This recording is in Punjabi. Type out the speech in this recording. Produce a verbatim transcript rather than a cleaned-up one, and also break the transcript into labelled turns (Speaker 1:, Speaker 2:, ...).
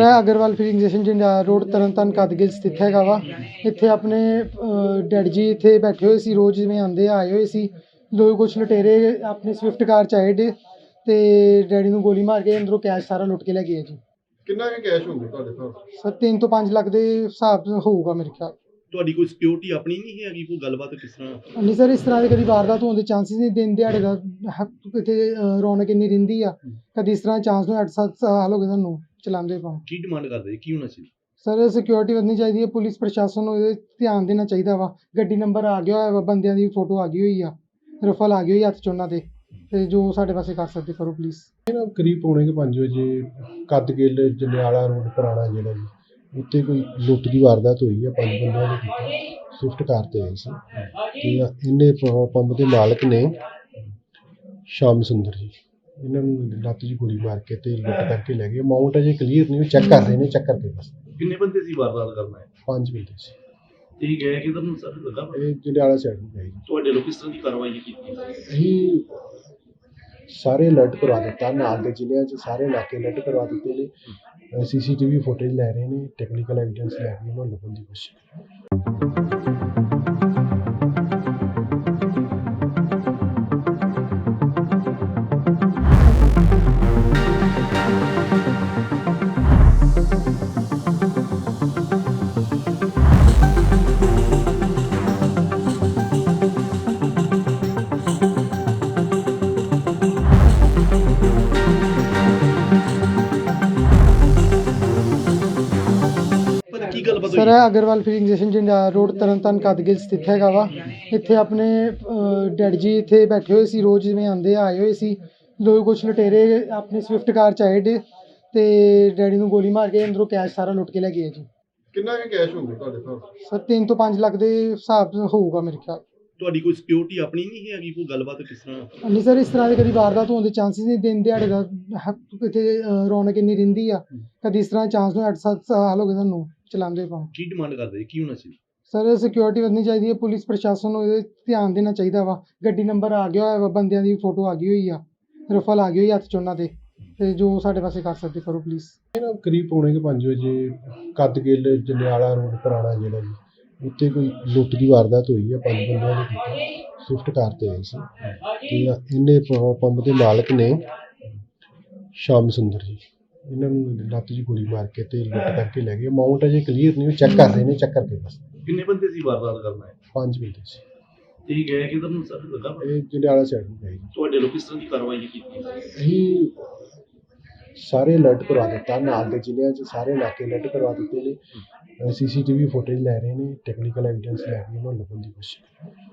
Speaker 1: ਇਹ Agarwal filling station Jandiala road Tarn Taran ਕਦਗਿਲ ਸਥਿਤ ਹੈਗਾ ਵਾ। ਇੱਥੇ ਆਪਣੇ ਡੈਡ ਜੀ ਇੱਥੇ ਬੈਠੇ ਹੋਏ ਸੀ, ਰੋਜ਼ ਜਿਵੇਂ ਆਉਂਦੇ ਆਏ ਹੋਏ ਸੀ। ਦੋ ਕੁਛ ਲੁਟੇਰੇ ਆਪਣੀ ਸਵਿਫਟ ਕਾਰ 'ਚ ਆਏ ਡੇ ਤੇ ਡੈਡੀ ਨੂੰ ਗੋਲੀ ਮਾਰ ਕੇ ਅੰਦਰੋਂ ਕੈਸ਼ ਸਾਰਾ ਲੁੱਟ ਕੇ ਲੈ ਗਏ ਜੀ।
Speaker 2: ਕਿੰਨਾ ਕੁ ਕੈਸ਼ ਹੋਊਗਾ ਤੁਹਾਡੇ ਹਿਸਾਬ ਨਾਲ?
Speaker 1: ਸਰ ਤਿੰਨ ਤੋਂ ਪੰਜ ਲੱਖ ਦੇ ਹਿਸਾਬ ਹੋਊਗਾ ਮੇਰੇ ਖਿਆਲ।
Speaker 3: ਤੁਹਾਡੀ ਕੋਈ ਸਿਕਿਉਰਿਟੀ ਆਪਣੀ ਨਹੀਂ ਹੈਗੀ? ਕੋਈ ਗੱਲਬਾਤ ਕਿਸ ਤਰ੍ਹਾਂ?
Speaker 1: ਨਹੀਂ ਸਰ, ਇਸ ਤਰ੍ਹਾਂ ਦੇ ਕਦੀ ਵਾਰਦਾਤ ਹੋਣ ਦੇ ਚਾਂਸਿਸ ਨਹੀਂ। ਦਿਨ ਦਿਹਾੜੇ ਦਾ ਹ- ਇੱਥੇ ਅਹ, ਰੌਣਕ ਇੰਨੀ ਰਹਿੰਦੀ ਆ, ਕਦੀ ਇਸ ਤਰ੍ਹਾਂ ਚਾਂਸ ਨੂੰ ਅੱਠ ਸੱਤ ਸਾਲ ਹੋ ਗਏ ਸਾਨੂੰ ਚਲਾਉਂਦੇ ਪਾ।
Speaker 3: ਕੀ ਡਿਮਾਂਡ ਕਰਦੇ ਜੀ? ਕੀ ਹੋਣਾ ਚਾਹੀਦਾ?
Speaker 1: ਸਰ ਸਿਕਿਉਰਿਟੀ ਵਧਣੀ ਚਾਹੀਦੀ ਹੈ, ਪੁਲਿਸ ਪ੍ਰਸ਼ਾਸਨ ਨੂੰ ਇਹਦੇ ਧਿਆਨ ਦੇਣਾ ਚਾਹੀਦਾ ਵਾ। ਗੱਡੀ ਨੰਬਰ ਆ ਗਿਆ ਹੋਇਆ ਵਾ, ਬੰਦਿਆਂ ਦੀ ਫੋਟੋ ਆ ਗਈ ਹੋਈ ਆ, ਰਫਲ ਆ ਗਈ ਹੋਈ ਹੱਥ 'ਚ ਉਹਨਾਂ ਦੇ। ਤੇ ਜੋ ਸਾਡੇ ਪਾਸੇ ਕਰ ਸਕਦੇ ਕਰੋ ਪਲੀਜ਼।
Speaker 2: ਕਰੀਬ ਪੌਣੇ ਕੁ ਪੰਜ ਵਜੇ ਕਦਗਿਲ ਜੰਡਿਆਲਾ ਰੋਡ ਪੁਰਾਣਾ ਜਿਹੜਾ ਜੀ, ਉੱਥੇ ਕੋਈ ਲੁੱਟ ਦੀ ਵਾਰਦਾਤ ਹੋਈ ਹੈ। ਪੰਜ ਬੰਦਿਆਂ ਨੇ ਕੀਤੀ, ਸਵਿਫਟ ਕਾਰ 'ਤੇ ਆਏ ਸੀ ਤੇ ਇਹਨੇ ਪੈਟਰੋਲ ਪੰਪ ਦੇ ਮਾਲਕ ਨੇ ਸ਼ਾਮ ਸੁੰਦਰ ਜੀ, ਇਹਨਾਂ ਨੂੰ ਲੱਤ 'ਚ ਗੋਲੀ ਮਾਰ ਕੇ ਤੇ ਲੁੱਟ ਕਰਕੇ ਲੈ ਗਏ। ਅਮਾਊਂਟ ਅਜੇ ਕਲੀਅਰ ਨਹੀਂ, ਚੈੱਕ ਕਰ ਰਹੇ ਨੇ, ਚੈੱਕ ਕਰਕੇ ਬਸ।
Speaker 3: ਕਿੰਨੇ ਬੰਦੇ ਸੀ ਵਾਰਦਾਤ ਕਰਨਾ ਹੈ?
Speaker 2: ਪੰਜ ਬੰਦੇ ਸੀ।
Speaker 3: ਇਹ ਗਏ ਕਿਧਰ ਨੂੰ ਸਰ ਲੱਗਾ ਪਤਾ?
Speaker 2: ਇਹ ਜੰਡਿਆਲਾ ਸਾਈਡ ਨੂੰ ਗਏ ਜੀ।
Speaker 3: ਤੁਹਾਡੇ ਲੋਕ ਕਿਸ ਤਰ੍ਹਾਂ ਦੀ ਕਾਰਵਾਈ ਕੀਤੀ?
Speaker 2: ਅਸੀਂ ਸਾਰੇ ਅਲਰਟ ਕਰਵਾ ਦਿੱਤਾ, ਨਾਲ ਦੇ ਜ਼ਿਲ੍ਹਿਆਂ 'ਚ ਸਾਰੇ ਇਲਾਕੇ ਅਲਰਟ ਕਰਵਾ ਦਿੱਤੇ ਨੇ। ਸੀ ਸੀ ਟੀ ਵੀ ਫੁਟੇਜ ਲੈ ਰਹੇ ਨੇ, ਟੈਕਨੀਕਲ ਐਵੀਡੈਂਸ ਲੈ ਕੇ ਉਹਨਾਂ ਨੂੰ ਲੱਭਣ ਦੀ ਕੋਸ਼ਿਸ਼।
Speaker 3: ਕੀ ਗੱਲਬਾਤ
Speaker 1: ਸਰ ਇਹ Agarwal filling station Jandiala road Tarn Taran ਕਦਗਿਲ ਸਥਿਤ ਹੈਗਾ ਵਾ। ਇੱਥੇ ਆਪਣੇ ਡੈਡ ਜੀ ਇੱਥੇ ਬੈਠੇ ਹੋਏ ਸੀ, ਰੋਜ਼ ਜਿਵੇਂ ਆਉਂਦੇ ਆਏ ਹੋਏ ਸੀ। ਦੋ ਕੁਛ ਲੁਟੇਰੇ ਆਪਣੀ ਸਵਿਫਟ ਕਾਰ 'ਚ ਆਏ ਡੇ ਤੇ ਡੈਡੀ ਨੂੰ ਗੋਲੀ ਮਾਰ ਕੇ ਅੰਦਰੋਂ ਕੈਸ਼ ਸਾਰਾ ਲੁੱਟ ਕੇ ਲੈ ਗਏ ਜੀ।
Speaker 2: ਕਿੰਨਾ ਕੁ ਕੈਸ਼ ਹੋਊਗਾ ਤੁਹਾਡੇ ਹਿਸਾਬ ਨਾਲ?
Speaker 1: ਸਰ ਤਿੰਨ ਤੋਂ ਪੰਜ ਲੱਖ ਦੇ ਹਿਸਾਬ ਹੋਊਗਾ ਮੇਰੇ ਖਿਆਲ।
Speaker 3: ਤੁਹਾਡੀ ਕੋਈ ਸਿਕਿਉਰਿਟੀ ਆਪਣੀ ਨਹੀਂ ਹੈਗੀ? ਕੋਈ ਗੱਲਬਾਤ ਕਿਸ ਤਰ੍ਹਾਂ?
Speaker 1: ਨਹੀਂ ਸਰ, ਇਸ ਤਰ੍ਹਾਂ ਦੇ ਕਦੀ ਵਾਰਦਾਤ ਹੋਣ ਦੇ ਚਾਂਸਿਸ ਨਹੀਂ। ਦਿਨ ਦਿਹਾੜੇ ਦਾ ਹ- ਇੱਥੇ ਅਹ, ਰੌਣਕ ਇੰਨੀ ਰਹਿੰਦੀ ਆ, ਕਦੀ ਇਸ ਤਰ੍ਹਾਂ ਚਾਂਸ ਨੂੰ ਅੱਠ ਸੱਤ ਸਾਲ ਹੋ ਗਏ ਸਾਨੂੰ ਚਲਾਉਂਦੇ ਪਾ।
Speaker 3: ਕੀ ਡਿਮਾਂਡ ਕਰਦੇ ਜੀ? ਕੀ ਹੋਣਾ ਚਾਹੀਦਾ?
Speaker 1: ਸਰ ਸਿਕਿਉਰਿਟੀ ਵਧਣੀ ਚਾਹੀਦੀ ਹੈ, ਪੁਲਿਸ ਪ੍ਰਸ਼ਾਸਨ ਨੂੰ ਇਹਦੇ ਧਿਆਨ ਦੇਣਾ ਚਾਹੀਦਾ ਵਾ। ਗੱਡੀ ਨੰਬਰ ਆ ਗਿਆ ਹੋਇਆ ਵਾ, ਬੰਦਿਆਂ ਦੀ ਫੋਟੋ ਆ ਗਈ ਹੋਈ ਆ, ਰਫਲ ਆ ਗਈ ਹੋਈ ਹੱਥ 'ਚ ਉਹਨਾਂ ਦੇ। ਤੇ ਜੋ ਸਾਡੇ ਪਾਸੇ ਕਰ ਸਕਦੇ ਕਰੋ ਪਲੀਜ਼।
Speaker 2: ਕਰੀਬ ਪੌਣੇ ਕੁ ਪੰਜ ਵਜੇ ਕਦਗਿਲ ਜੰਡਿਆਲਾ ਰੋਡ ਪੁਰਾਣਾ ਜਿਹੜਾ ਜੀ, ਉੱਥੇ ਕੋਈ ਲੁੱਟ ਦੀ ਵਾਰਦਾਤ ਹੋਈ ਹੈ। ਪੰਜ ਬੰਦਿਆਂ ਨੇ ਕੀਤੀ, ਸਵਿਫਟ ਕਾਰ 'ਤੇ ਆਏ ਸੀ ਤੇ ਇਹਨੇ ਪੈਟਰੋਲ ਪੰਪ ਦੇ ਮਾਲਕ ਨੇ ਸ਼ਾਮ ਸੁੰਦਰ ਜੀ, ਇਹਨਾਂ ਨੂੰ ਲੱਤ 'ਚ ਗੋਲੀ ਮਾਰ ਕੇ ਤੇ ਲੁੱਟ ਕਰਕੇ ਲੈ ਗਏ। ਅਮਾਊਂਟ ਅਜੇ ਕਲੀਅਰ ਨਹੀਂ, ਚੈੱਕ ਕਰ ਰਹੇ ਨੇ, ਚੈੱਕ ਕਰਕੇ ਬਸ।
Speaker 3: ਕਿੰਨੇ ਬੰਦੇ ਸੀ ਵਾਰਦਾਤ ਕਰਨਾ ਹੈ?
Speaker 2: ਪੰਜ ਬੰਦੇ ਸੀ।
Speaker 3: ਇਹ ਗਏ ਕਿਧਰ ਨੂੰ ਸਰ ਲੱਗਾ ਪਤਾ?
Speaker 2: ਇਹ ਜੰਡਿਆਲਾ ਸਾਈਡ ਨੂੰ ਗਏ ਜੀ।
Speaker 3: ਤੁਹਾਡੇ ਲੋਕ ਕਿਸ ਤਰ੍ਹਾਂ ਦੀ ਕਾਰਵਾਈ ਕੀਤੀ?
Speaker 2: ਅਸੀਂ ਸਾਰੇ ਅਲਰਟ ਕਰਵਾ ਦਿੱਤਾ, ਨਾਲ ਦੇ ਜ਼ਿਲ੍ਹਿਆਂ 'ਚ ਸਾਰੇ ਇਲਾਕੇ ਅਲਰਟ ਕਰਵਾ ਦਿੱਤੇ ਨੇ। ਸੀ ਸੀ ਟੀ ਵੀ ਫੁਟੇਜ ਲੈ ਰਹੇ ਨੇ, ਟੈਕਨੀਕਲ ਐਵੀਡੈਂਸ ਲੈ ਕੇ ਉਹਨਾਂ ਨੂੰ ਲੱਭਣ ਦੀ ਕੋਸ਼ਿਸ਼।